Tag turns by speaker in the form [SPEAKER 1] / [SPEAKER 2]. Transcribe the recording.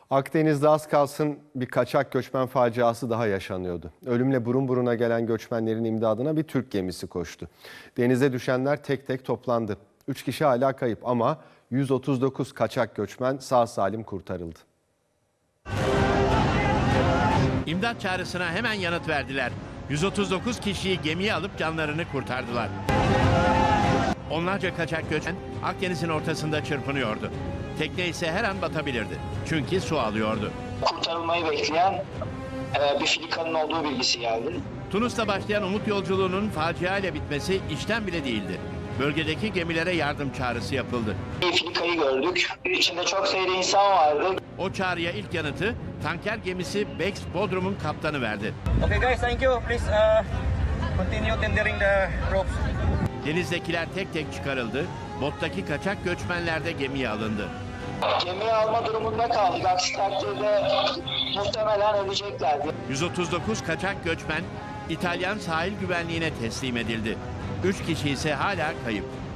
[SPEAKER 1] Akdeniz'de az kalsın bir kaçak göçmen faciası daha yaşanıyordu. Ölümle burun buruna gelen göçmenlerin imdadına bir Türk gemisi koştu. Denize düşenler tek tek toplandı. 3 kişi hala kayıp ama 139 kaçak göçmen sağ salim kurtarıldı.
[SPEAKER 2] İmdat çağrısına hemen yanıt verdiler. 139 kişiyi gemiye alıp canlarını kurtardılar. Onlarca kaçak göçmen Akdeniz'in ortasında çırpınıyordu. Tekne ise her an batabilirdi. Çünkü su alıyordu.
[SPEAKER 3] Kurtarılmayı bekleyen bir filikanın olduğu bilgisi geldi.
[SPEAKER 2] Tunus'ta başlayan umut yolculuğunun facia ile bitmesi işten bile değildi. Bölgedeki gemilere yardım çağrısı yapıldı.
[SPEAKER 3] Bir filikayı gördük. İçinde çok sayıda insan vardı.
[SPEAKER 2] O çağrıya ilk yanıtı tanker gemisi Bex Bodrum'un kaptanı verdi.
[SPEAKER 4] Okay guys, thank you. Please continue tendering the ropes.
[SPEAKER 2] Denizdekiler tek tek çıkarıldı. Bottaki kaçak göçmenler de gemiye alındı.
[SPEAKER 3] Gemiye alma durumunda kaldık. Aksi takdirde muhtemelen öleceklerdi.
[SPEAKER 2] 139 kaçak göçmen İtalyan sahil güvenliğine teslim edildi. 3 kişi ise hala kayıp.